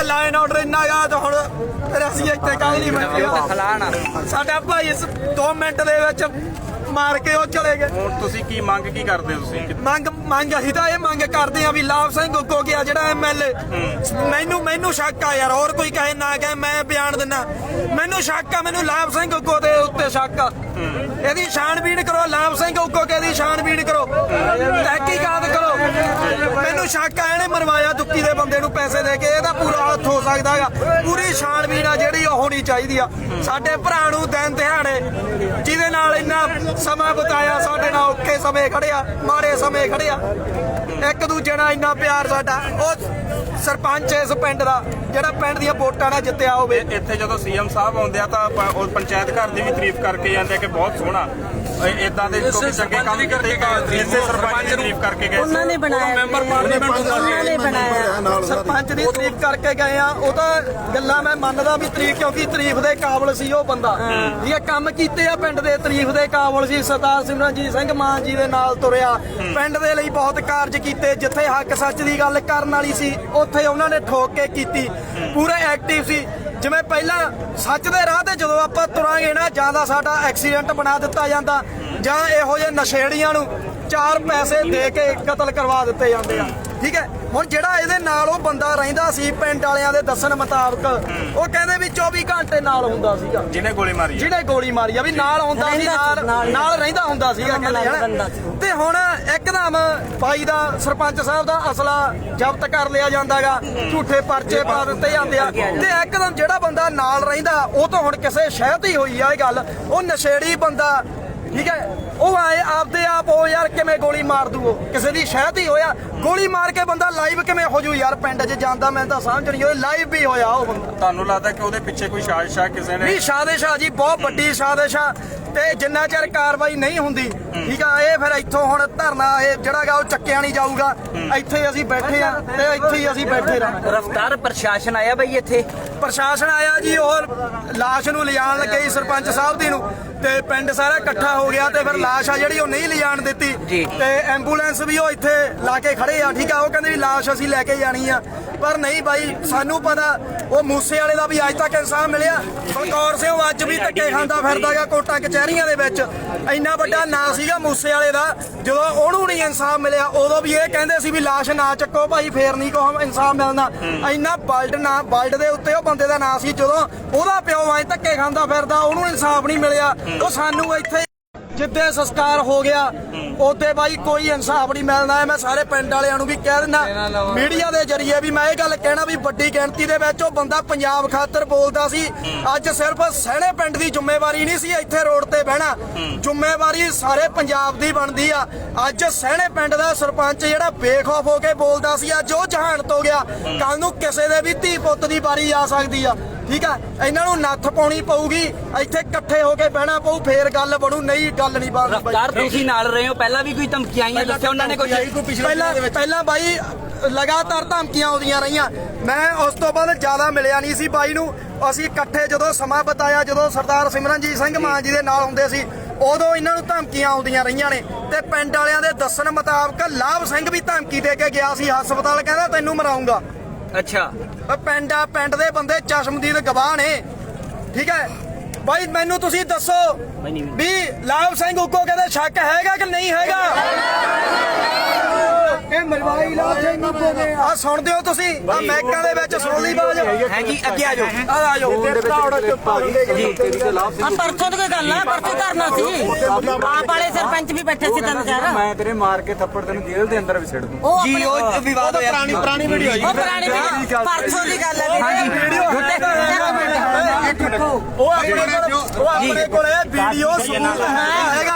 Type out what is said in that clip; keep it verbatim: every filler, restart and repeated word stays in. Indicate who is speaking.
Speaker 1: Line order ਇੰਨਾ ਗਾ ਤਾਂ ਹੁਣ ਫਿਰ ਅਸੀਂ ਇੱਥੇ ਕਾਹ ਨਹੀਂ ਬੈਠੇ। ਸਾਡਾ ਭਾਈ ਦੋ ਮਿੰਟ ਦੇ ਵਿੱਚ ਮਾਰ ਕੇ ਉਹ ਚਲੇ ਗਏ।
Speaker 2: ਹੁਣ ਤੁਸੀਂ ਕੀ ਮੰਗ ਕੀ ਕਰਦੇ ਹੋ? ਤੁਸੀਂ
Speaker 1: ਮੰਗ ਮੰਗ ਅਸੀਂ ਤਾਂ ਇਹ ਮੰਗ ਕਰਦੇ ਆ ਵੀ ਲਾਭ ਸਿੰਘ ਉੱਗੋ ਗਿਆ ਜਿਹੜਾ ਐਮ ਐਲ ਏ, ਮੈਨੂੰ ਮੈਨੂੰ ਸ਼ੱਕ ਆ ਯਾਰ, ਹੋਰ ਕੋਈ ਕਹੇ ਨਾ ਕਹੇ ਮੈਂ ਬਿਆਨ ਦਿੰਦਾ, ਮੈਨੂੰ ਸ਼ੱਕ ਆ, ਮੈਨੂੰ ਲਾਭ ਸਿੰਘ ਉੱਗੋ ਦੇ ਉੱਤੇ ਸ਼ੱਕ ਆ। ਇਹਦੀ ਛਾਣਬੀਣ ਕਰੋ, ਲਾਭ ਸਿੰਘ ਉੱਗੋ ਕੇ ਦੀ ਛਾਣਬੀਣ ਕਰੋ, ਤਹਿਕੀਕਾਤ ਕਰੋ। ਮੈਨੂੰ ਸ਼ੱਕ ਆ ਇਹਨੇ ਮਰਵਾਇਆ ਦੁੱਕੀ ਦੇ ਬੰਦੇ ਨੂੰ ਪੈਸੇ ਦੇ ਕੇ, ਇਹਦਾ ਪੂਰਾ ਹੱਥ ਹੋ ਸਕਦਾ ਹੈਗਾ। ਪੂਰੀ ਛਾਣਬੀਣ ਆ ਜਿਹੜੀ ਉਹ ਹੋਣੀ ਚਾਹੀਦੀ ਆ। ਸਾਡੇ ਭਰਾ ਨੂੰ ਦਿਨ ਦਿਹਾੜੇ ਜਿਹਦੇ ਨਾਲ ਇੰਨਾ ਸਮਾਂ ਬਤਾਇਆ, ਸਾਡੇ ਨਾਲ ਔਖੇ ਸਮੇਂ ਖੜਿਆ, ਮਾੜੇ ਸਮੇਂ ਖੜਿਆ, ਇੱਕ ਦੂਜੇ ਨਾਲ ਇੰਨਾ ਪਿਆਰ ਸਾਡਾ, ਉਹ ਸਰਪੰਚ ਇਸ ਪਿੰਡ ਦਾ ਜਿਹੜਾ ਪਿੰਡ ਦੀਆਂ ਵੋਟਾਂ ਨਾਲ ਜਿੱਤਿਆ ਹੋਵੇ।
Speaker 2: ਇੱਥੇ ਜਦੋਂ ਸੀਐਮ ਸਾਹਿਬ ਆਉਂਦੇ ਆ ਤਾਂ ਉਹ ਪੰਚਾਇਤ ਘਰ ਦੀ ਵੀ ਤਾਰੀਫ ਕਰਕੇ ਜਾਂਦੇ ਕਿ ਬਹੁਤ ਸੋਹਣਾ ਇਦਾਂ ਦੇ ਚੰਗੇ ਕੰਮ ਕੀਤੇ, ਇਸੇ ਸਰਪੰਚ ਦੀ ਤਾਰੀਫ ਕਰਕੇ ਗਏ।
Speaker 3: ਉਹਨਾਂ ਨੇ ਬਣਾਇਆ, ਮੈਂਬਰ ਪਾਰਲੀਮੈਂਟ ਉਹਨਾਂ ਨੇ ਬਣਾਇਆ,
Speaker 1: ਸਰਪੰਚ ਦੀ ਤਾਰੀਫ ਕਰਕੇ ਗਏ ਆ। ਉਹ ਤਾਂ ਗੱਲਾਂ ਮੈਂ ਮੰਨਦਾ ਵੀ ਤਾਰੀਫ, ਕਿਉਂਕਿ ਤਾਰੀਫ ਦੇ ਕਾਬਲ ਸੀ ਉਹ ਬੰਦਾ। ਇਹ ਕੰਮ ਕੀਤੇ ਆ ਪਿੰਡ ਦੇ, ਤਾਰੀਫ ਦੇ ਕਾਬਲ ਸੀ। ਸਰਦਾਰ ਸਿਮਰਨਜੀਤ ਸਿੰਘ ਮਾਨ ਜੀ ਦੇ ਨਾਲ ਤੁਰਿਆ, ਪਿੰਡ ਦੇ ਲਈ ਬਹੁਤ ਕਾਰਜ ਕੀਤੇ। ਜਿੱਥੇ ਹੱਕ ਸੱਚ ਦੀ ਗੱਲ ਕਰਨ ਵਾਲੀ ਸੀ ਉੱਥੇ ਉਹਨਾਂ ਨੇ ਠੋਕ ਕੇ ਕੀਤੀ, ਪੂਰੇ ਐਕਟਿਵ ਸੀ। ਜਿਵੇਂ ਪਹਿਲਾਂ ਸੱਚ ਦੇ ਰਾਹ ਤੇ ਜਦੋਂ ਆਪਾਂ ਤੁਰਾਂਗੇ ਨਾ, ਜਾਂ ਤਾਂ ਸਾਡਾ ਐਕਸੀਡੈਂਟ ਬਣਾ ਦਿੱਤਾ ਜਾਂਦਾ, ਜਾਂ ਇਹੋ ਜਿਹੇ ਨਸ਼ੇੜੀਆਂ ਨੂੰ ਚਾਰ ਪੈਸੇ ਦੇ ਕੇ ਕਤਲ ਕਰਵਾ ਦਿੱਤੇ ਜਾਂਦੇ ਆ। ਠੀਕ ਹੈ, ਹੁਣ ਜਿਹੜਾ ਇਹਦੇ ਨਾਲ ਉਹ ਬੰਦਾ ਰਹਿੰਦਾ ਸੀ, ਪਿੰਡ ਵਾਲਿਆਂ ਦੇ ਦੱਸਣ ਮੁਤਾਬਕ ਉਹ ਕਹਿੰਦੇ ਵੀ ਚੌਵੀ ਘੰਟੇ ਨਾਲ ਹੁੰਦਾ ਸੀਗਾ,
Speaker 2: ਜਿਹਨੇ ਗੋਲੀ ਮਾਰੀ
Speaker 1: ਜਿਹਨੇ ਗੋਲੀ ਮਾਰੀ ਆ ਵੀ ਨਾਲ ਹੁੰਦਾ ਸੀ, ਨਾਲ ਨਾਲ ਰਹਿੰਦਾ ਹੁੰਦਾ ਸੀਗਾ ਕਹਿੰਦੇ। ਤੇ ਹੁਣ ਇੱਕਦਮ ਬਾਈ ਦਾ ਸਰਪੰਚ ਸਾਹਿਬ ਦਾ ਅਸਲਾ ਜ਼ਬਤ ਕਰ ਲਿਆ ਜਾਂਦਾਗਾ, ਝੂਠੇ ਪਰਚੇ ਪਾ ਦਿੱਤੇ ਜਾਂਦੇ ਆ। ਤੇ ਇੱਕਦਮ ਜਿਹੜਾ ਬੰਦਾ ਨਾਲ ਰਹਿੰਦਾ ਉਹ ਤਾਂ ਹੁਣ ਕਿਸੇ ਸ਼ਹਿਦ ਹੀ ਹੋਈ ਆ ਇਹ ਗੱਲ, ਉਹ ਨਸ਼ੇੜੀ ਬੰਦਾ। ਠੀਕ ਹੈ, ਉਹ ਆਏ ਆਪਦੇ ਆਪ ਉਹ ਯਾਰ ਕਿਵੇਂ ਗੋਲੀ ਮਾਰ ਦੂ, ਉਹ ਕਿਸੇ ਦੀ ਸ਼ਹਿਦ ਹੀ ਹੋਇਆ। ਗੋਲੀ ਮਾਰ ਕੇ ਬੰਦਾ ਲਾਈਵ ਕਿਵੇਂ ਹੋ ਜੂ ਯਾਰ, ਪਿੰਡ 'ਚ ਜਾਂਦਾ ਮੈਂ ਤਾਂ ਸਮਝ ਨਹੀਂ ਹੋਈ, ਲਾਈਵ ਵੀ ਹੋਇਆ ਉਹ ਬੰਦਾ।
Speaker 2: ਤੁਹਾਨੂੰ ਲੱਗਦਾ ਕਿ ਉਹਦੇ ਪਿੱਛੇ ਕੋਈ ਸਾਜ਼ਿਸ਼ ਆ ਕਿਸੇ ਨੇ?
Speaker 1: ਨਹੀਂ, ਸਾਜ਼ਿਸ਼ ਆ ਜੀ, ਬਹੁਤ ਵੱਡੀ ਸਾਜ਼ਿਸ਼ ਆ। ਤੇ ਜਿੰਨਾ ਚਿਰ ਕਾਰਵਾਈ ਨਹੀਂ ਹੁੰਦੀ, ਠੀਕ ਆ, ਇਹ ਫਿਰ ਇੱਥੋਂ ਹੁਣ ਧਰਨਾ ਇਹ ਜਿਹੜਾ ਗਾ ਉਹ ਚੱਕਿਆ ਨਹੀਂ ਜਾਊਗਾ। ਇੱਥੇ ਅਸੀਂ ਬੈਠੇ ਆ ਤੇ ਇੱਥੇ ਹੀ ਅਸੀਂ ਬੈਠੇ ਰਹਾਂਗੇ।
Speaker 3: ਰਫਤਾਰ ਪ੍ਰਸ਼ਾਸਨ ਆਇਆ ਬਈ ਇੱਥੇ,
Speaker 1: ਪ੍ਰਸ਼ਾਸਨ ਆਇਆ ਜੀ, ਉਹ ਲਾਸ਼ ਨੂੰ ਲਿਜਾਣ ਲੱਗੇ ਸਰਪੰਚ ਸਾਹਿਬ ਦੀ ਨੂੰ, ਤੇ ਪਿੰਡ ਸਾਰਾ ਇਕੱਠਾ ਹੋ ਗਿਆ। ਤੇ ਫਿਰ ਲਾਸ਼ ਆ ਜਿਹੜੀ ਉਹ ਨਹੀਂ ਲਿਜਾਣ ਦਿੱਤੀ, ਤੇ ਐਂਬੂਲੈਂਸ ਵੀ ਉਹ ਇੱਥੇ ਲਾ ਕੇ ਖੜੇ ਆ। ਠੀਕ ਆ, ਉਹ ਕਹਿੰਦੇ ਵੀ ਲਾਸ਼ ਅਸੀਂ ਲੈ ਕੇ ਜਾਣੀ ਆ, ਪਰ ਨਹੀਂ ਬਾਈ, ਸਾਨੂੰ ਪਤਾ ਉਹ ਮੂਸੇ ਵਾਲੇ ਦਾ ਵੀ ਅੱਜ ਤੱਕ ਇਨਸਾਫ ਮਿਲਿਆ। ਬਲਕੌਰ ਸਿੰਘ ਅੱਜ ਵੀ ਧੱਕੇ ਖਾਂਦਾ ਫਿਰਦਾਗਾ ਕੋਟਾਂ ਕਚਹਿਰੀਆਂ ਦੇ ਵਿੱਚ। ਇੰਨਾ ਵੱਡਾ ਨਾਂ ਸੀਗਾ ਮੂਸੇ ਵਾਲੇ ਦਾ, ਜਦੋਂ ਉਹਨੂੰ ਨਹੀਂ ਇਨਸਾਫ ਮਿਲਿਆ ਉਦੋਂ ਵੀ ਇਹ ਕਹਿੰਦੇ ਸੀ ਵੀ ਲਾਸ਼ ਨਾ ਚੱਕੋ ਭਾਈ, ਫੇਰ ਨਹੀਂ ਕੋ ਇਨਸਾਫ ਮਿਲਣਾ। ਇੰਨਾ ਬਲਡ ਨਾ ਬਲਡ ਦੇ ਉੱਤੇ ਉਹ ਬੰਦੇ ਦਾ ਨਾਂ ਸੀ, ਜਦੋਂ ਉਹਦਾ ਪਿਓ ਅੱਜ ਧੱਕੇ ਖਾਂਦਾ ਫਿਰਦਾ, ਉਹਨੂੰ ਇਨਸਾਫ ਨਹੀਂ ਮਿਲਿਆ। ਉਹ ਸਾਨੂੰ ਇੱਥੇ ਜਿੱਦੇ ਸੰਸਕਾਰ ਹੋ ਗਿਆ ਉਹਦੇ ਬਾਈ ਕੋਈ ਇਨਸਾਫ ਨਹੀਂ ਮਿਲਣਾ ਹੈ। ਮੈਂ ਸਾਰੇ ਪਿੰਡ ਵਾਲਿਆਂ ਨੂੰ ਵੀ ਕਹਿ ਦਿੰਦਾ, ਮੀਡੀਆ ਦੇ ਜਰੀਏ ਵੀ ਮੈਂ ਇਹ ਗੱਲ ਕਹਿਣਾ ਵੀ ਵੱਡੀ ਗਿਣਤੀ ਦੇ ਵਿੱਚ ਉਹ ਬੰਦਾ ਪੰਜਾਬ ਖਾਤਰ ਬੋਲਦਾ ਸੀ। ਅੱਜ ਸਿਰਫ ਸਹਿਣੇ ਪਿੰਡ ਦੀ ਜ਼ਿੰਮੇਵਾਰੀ ਨਹੀਂ ਸੀ ਇੱਥੇ ਰੋਡ ਤੇ ਬਹਿਣਾ, ਜ਼ਿੰਮੇਵਾਰੀ ਸਾਰੇ ਪੰਜਾਬ ਦੀ ਬਣਦੀ ਆ। ਅੱਜ ਸਹਿਣੇ ਪਿੰਡ ਦਾ ਸਰਪੰਚ ਜਿਹੜਾ ਬੇਖੌਫ ਹੋ ਕੇ ਬੋਲਦਾ ਸੀ, ਅੱਜ ਉਹ ਜਹਾਨਤ ਹੋ ਗਿਆ। ਕੱਲ ਨੂੰ ਕਿਸੇ ਦੇ ਵੀ ਧੀ ਪੁੱਤ ਦੀ ਵਾਰੀ ਆ ਸਕਦੀ ਆ। ਠੀਕ ਆ, ਇਹਨਾਂ ਨੂੰ ਨੱਥ ਪਾਉਣੀ ਪਊਗੀ, ਇੱਥੇ ਇਕੱਠੇ ਹੋ ਕੇ ਬਹਿਣਾ ਪਊ, ਫੇਰ ਗੱਲ ਬਣੂ, ਨਹੀਂ ਗੱਲ ਨਹੀਂ ਬਣਦੀ।
Speaker 3: ਰਫਤਾਰ ਤੁਸੀਂ ਨਾਲ ਰਹੇ ਹੋ, ਪਹਿਲਾਂ ਵੀ ਕੋਈ ਧਮਕੀਆਂ ਆਈਆਂ, ਦੱਸਿਆ ਉਹਨਾਂ ਨੇ ਕੁਝ?
Speaker 1: ਪਹਿਲਾਂ ਪਹਿਲਾਂ ਬਾਈ ਲਗਾਤਾਰ ਧਮਕੀਆਂ ਆਉਂਦੀਆਂ ਰਹੀਆਂ। ਮੈਂ ਉਸ ਤੋਂ ਬਾਅਦ ਜ਼ਿਆਦਾ ਮਿਲਿਆ ਨਹੀਂ ਸੀ ਬਾਈ ਨੂੰ। ਅਸੀਂ ਇਕੱਠੇ ਜਦੋਂ ਸਮਾਂ ਬਿਤਾਇਆ, ਜਦੋਂ ਸਰਦਾਰ ਸਿਮਰਨਜੀਤ ਸਿੰਘ ਮਾਨ ਜੀ ਦੇ ਨਾਲ ਹੁੰਦੇ ਸੀ, ਉਦੋਂ ਇਹਨਾਂ ਨੂੰ ਧਮਕੀਆਂ ਆਉਂਦੀਆਂ ਰਹੀਆਂ ਨੇ। ਤੇ ਪਿੰਡ ਵਾਲਿਆਂ ਦੇ ਦੱਸਣ ਮੁਤਾਬਕ ਲਾਭ ਸਿੰਘ ਵੀ ਧਮਕੀ ਦੇ ਕੇ ਗਿਆ ਸੀ ਹਸਪਤਾਲ, ਕਹਿੰਦਾ ਤੈਨੂੰ ਮਰਾਉਂਗਾ।
Speaker 3: ਅੱਛਾ,
Speaker 1: ਪਿੰਡ ਆ, ਪਿੰਡ ਦੇ ਬੰਦੇ ਚਸ਼ਮਦੀਦ ਗਵਾਹ ਨੇ। ਠੀਕ ਹੈ ਬਾਈ, ਮੈਨੂੰ ਤੁਸੀਂ ਦੱਸੋ ਵੀ ਲਾਭ ਸਿੰਘ ਉੱਗੋ ਕਹਿੰਦੇ ਸ਼ੱਕ ਹੈਗਾ ਕਿ ਨਹੀਂ ਹੈਗਾ? ਇਹ ਮਰਵਾਈ ਲਾਭ ਸਿੰਘ ਉੱਗੋ ਨੇ ਆ ਸੁਣਦੇ ਹੋ ਤੁਸੀਂ, ਆ ਮੈਕਾਂ ਦੇ ਵਿੱਚ ਸੁਣ ਲਈ ਬਾਜ
Speaker 3: ਹੈ ਜੀ, ਅੱਗੇ ਆ ਜਾਓ,
Speaker 1: ਆ ਆ ਜਾਓ।
Speaker 3: ਆ ਪਰਸੋਂ ਦੀ ਕੋਈ ਗੱਲ ਆ, ਪਰਸੋਂ ਕਰਨਾ ਸੀ। ਆਪ ਵਾਲੇ ਸਰਪੰਚ ਵੀ ਬੈਠੇ ਸੀ ਤਿੰਨ ਚਾਰ।
Speaker 4: ਮੈਂ ਤੇਰੇ ਮਾਰ ਕੇ ਥੱਪੜ ਤੈਨੂੰ ਜੇਲ੍ਹ ਦੇ ਅੰਦਰ ਵਿਛੜ ਦੂੰ
Speaker 3: ਜੀ। ਉਹ ਵਿਵਾਦ ਹੋਇਆ,
Speaker 1: ਪੁਰਾਣੀ ਪੁਰਾਣੀ ਵੀਡੀਓ ਆਈ,
Speaker 3: ਉਹ ਪੁਰਾਣੀ ਵੀਡੀਓ ਪਰਸੋਂ ਦੀ ਗੱਲ ਹੈ। ਹਾਂਜੀ,
Speaker 1: ਵੀਡੀਓ ਉਹ ਆਪਣੇ ਕੋਲ ਉਹ ਆਪਣੇ ਕੋਲ ਇਹ ਵੀਡੀਓ ਸਬੂਤ ਹੈਗਾ।